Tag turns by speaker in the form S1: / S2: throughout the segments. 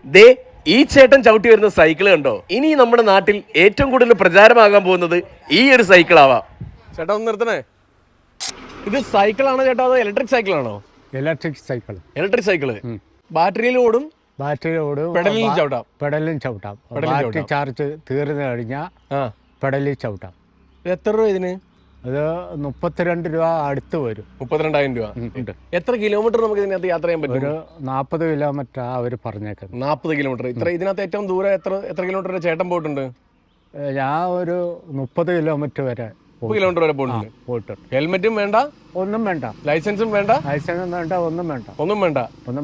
S1: ദേ ഈ ചേട്ടൻ ചവിട്ടി വരുന്ന സൈക്കിൾ കണ്ടോ? ഇനി നമ്മുടെ നാട്ടിൽ ഏറ്റവും കൂടുതൽ പ്രചാരമാകാൻ പോകുന്നത് ഈ ഒരു സൈക്കിൾ ആവാം. ചേട്ടാ ഒന്ന് നിർത്തണേ. ഇത് സൈക്കിളാണോ ചേട്ടാ അതോ ഇലക്ട്രിക് സൈക്കിളാണോ?
S2: Electric cycle.
S1: ഇലക്ട്രിക് സൈക്കിള് ബാറ്ററിയിൽ ഓടും. പെഡലിലും ചവിട്ടാം.
S2: ബാറ്ററി ചാർജ് തീർന്നു കഴിഞ്ഞാൽ പെഡലിൽ ചവിട്ടാം.
S1: എത്ര രൂപ ഇതിന്?
S2: അത് 32 രൂപ അടുത്ത് വരും.
S1: 32,000 രൂപ. എത്ര കിലോമീറ്റർ നമുക്ക് ഇതിനകത്ത് യാത്ര ചെയ്യാൻ പറ്റും?
S2: ഒരു 40 കിലോമീറ്റർ അവർ പറഞ്ഞേക്കുന്നത്.
S1: 40 കിലോമീറ്റർ. ഇതിനകത്ത് ഏറ്റവും ദൂരം എത്ര കിലോമീറ്റർ വരെ ചേട്ടൻ പോയിട്ടുണ്ട്?
S2: ഞാൻ ഒരു 30 കിലോമീറ്റർ വരെ
S1: 30 കിലോമീറ്റർ വരെ പോയിട്ടുണ്ട്. ഹെൽമെറ്റും വേണ്ട, ഒന്നും വേണ്ട, ലൈസൻസും വേണ്ട,
S2: ഒന്നും വേണ്ട.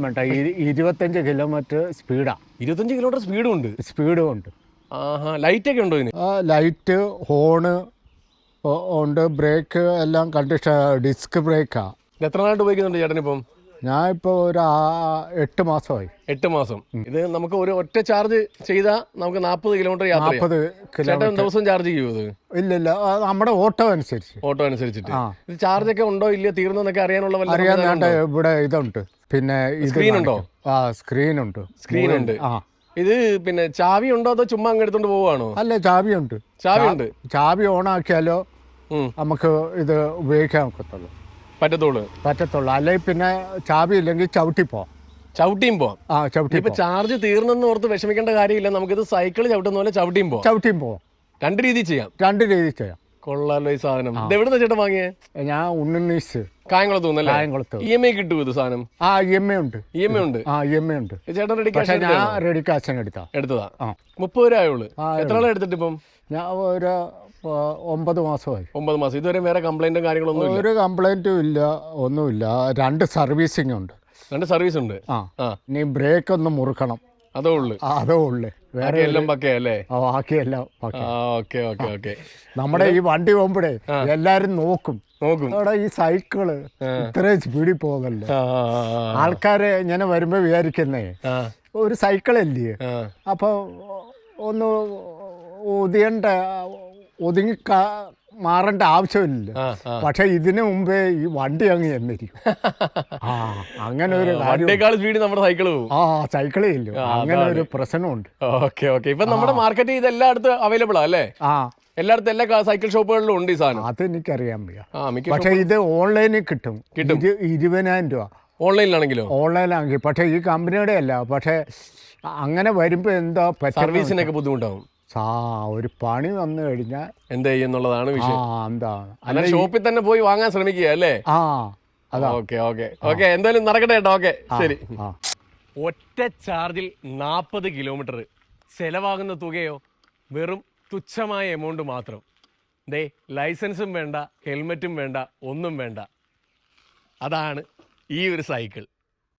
S2: 25 കിലോമീറ്റർ സ്പീഡാ.
S1: 25 കിലോമീറ്റർ സ്പീഡും ഉണ്ട്. ആഹാ. ലൈറ്റ് ഒക്കെ ഉണ്ടോ ഇതിന്?
S2: ലൈറ്റ്, ഹോണ് ഉണ്ട്, ബ്രേക്ക് എല്ലാം കണ്ടീഷൻ. ഡിസ്ക് ബ്രേക്കാ.
S1: എത്ര നാളായിട്ട് ഉപയോഗിക്കുന്നുണ്ട് ചേട്ടൻ ഇപ്പം?
S2: ഞാൻ ഇപ്പോൾ ഒരു 8 മാസമായി.
S1: 8 മാസം. ഇത് നമുക്ക് ഒരു ഒറ്റ ചാർജ് ചെയ്താൽ നമുക്ക് 40 കിലോമീറ്റർ യാത്ര ചെയ്യാം.
S2: 40 കിലോമീറ്റർ
S1: ദിവസം ചാർജ് ചെയ്യുമോ ഇത്?
S2: ഇല്ല, നമ്മുടെ ഓട്ടോ
S1: അനുസരിച്ചിട്ട്. ഇത് ചാർജ് ഒക്കെ ഉണ്ടോ ഇല്ലയോ, തീർന്നൊക്കെ അറിയാനുള്ള
S2: അറിയാൻ ഇവിടെ ഇതുണ്ട്. പിന്നെ
S1: സ്ക്രീൻ ഉണ്ടോ?
S2: സ്ക്രീൻ ഉണ്ട്.
S1: ഇത് പിന്നെ ചാവി ഉണ്ടോ അതോ ചുമ്മാ അങ്ങ് എടുത്തോണ്ട് പോവാണോ?
S2: അല്ല, ചാവിയുണ്ട്. ചാവി ഓണാക്കിയാലോ നമുക്ക് ഇത് ഉപയോഗിക്കാൻ പറ്റത്തുള്ളൂ. അല്ലെങ്കിൽ പിന്നെ ചാവി ഇല്ലെങ്കിൽ ചവിട്ടിയും പോവാം.
S1: ഇപ്പൊ ചാർജ് തീർന്നെന്ന് ഓർത്ത് വിഷമിക്കേണ്ട കാര്യമില്ല. നമുക്കിത് സൈക്കിൾ ചവിട്ടുന്ന പോലെ ചവിട്ടിയും പോവാം. രണ്ട് രീതി ചെയ്യാം. കൊള്ളാലോ ഈ സാധനം. ഇത് എവിടുന്ന ചേട്ടൻ വാങ്ങിയേ?
S2: ഞാൻ ഉണ്ണീസ്
S1: കായംകുളത്ത്. EMI കിട്ടുമോ ഇത് സാധനം?
S2: EMI ഉണ്ട്.
S1: ചേട്ടൻ
S2: റെഡി കാശ് എടുത്തതാ.
S1: 30 രൂപ ആയുള്ളൂ. എത്ര നാളെ എടുത്തിട്ട് ഇപ്പം?
S2: ഞാൻ ഒരു 9 മാസമായി.
S1: 9 മാസം. ഇതുവരെ വേറെ കംപ്ലൈന്റും കാര്യങ്ങളൊന്നും?
S2: ഒരു കംപ്ലൈന്റും ഇല്ല, ഒന്നുമില്ല. 2 സർവീസിംഗ് ഉണ്ട്.
S1: 2 സർവീസ് ഉണ്ട്.
S2: നീ ബ്രേക്ക് ഒന്ന് മുറുക്കണം, അതേ ഉള്ളു.
S1: വേറെ എല്ലാം പക്കയല്ലേ?
S2: ബാക്കിയെല്ലാം
S1: ഓക്കെ.
S2: നമ്മുടെ ഈ വണ്ടി പോകുമ്പോഴേ എല്ലാരും നോക്കും അവിടെ ഈ സൈക്കിള് ഇത്രയും സ്പീഡിൽ പോകുന്നല്ലോ. ആൾക്കാര് ഇങ്ങനെ വരുമ്പോ വിചാരിക്കുന്നേ ഒരു സൈക്കിളല്ലേ, അപ്പൊ ഒന്ന് ഒതുങ്ങി മാറേണ്ട ആവശ്യമില്ല. പക്ഷെ ഇതിനു മുമ്പേ ഈ വണ്ടി അങ്ങ് എന്നിരിക്കും. അങ്ങനെ ഒരു
S1: സ്പീഡ് നമ്മുടെ സൈക്കിള് പോകും.
S2: സൈക്കിളേ ഇല്ല. അങ്ങനെ ഒരു പ്രശ്നമുണ്ട്.
S1: ഓക്കെ. ഇപ്പൊ നമ്മുടെ മാർക്കറ്റ് ഇത് എല്ലായിടത്തും അവൈലബിൾ അല്ലേ? എല്ലായിടത്തും എല്ലാ സൈക്കിൾ ഷോപ്പുകളിലും ഉണ്ട് ഈ സാധനം.
S2: അത് എനിക്കറിയാൻ വയ്യ. പക്ഷെ ഇത് ഓൺലൈനിൽ കിട്ടും. 20,000 രൂപ ഓൺലൈനാണെങ്കിൽ. പക്ഷെ ഈ കമ്പനിയുടെ അല്ല. പക്ഷെ അങ്ങനെ വരുമ്പോ എന്താ
S1: സർവീസിനൊക്കെ ബുദ്ധിമുട്ടാവും.
S2: ഒരു പണി വന്നു കഴിഞ്ഞാൽ
S1: എന്താ ചെയ്യുന്നുള്ളതാണ് വിഷയം.
S2: എന്താണ്
S1: ഷോപ്പിൽ തന്നെ പോയി വാങ്ങാൻ ശ്രമിക്കുക അല്ലേ? ഓക്കെ. എന്തായാലും നടക്കട്ടെ കേട്ടോ. ഓക്കെ, ശരി. ഒറ്റ ചാർജിൽ 40 കിലോമീറ്റർ. ചെലവാകുന്ന തുകയോ വെറും തുച്ഛമായ എമൗണ്ട് മാത്രം. ലൈസൻസും വേണ്ട, ഹെൽമെറ്റും വേണ്ട, ഒന്നും വേണ്ട. അതാണ് ഈ ഒരു സൈക്കിൾ.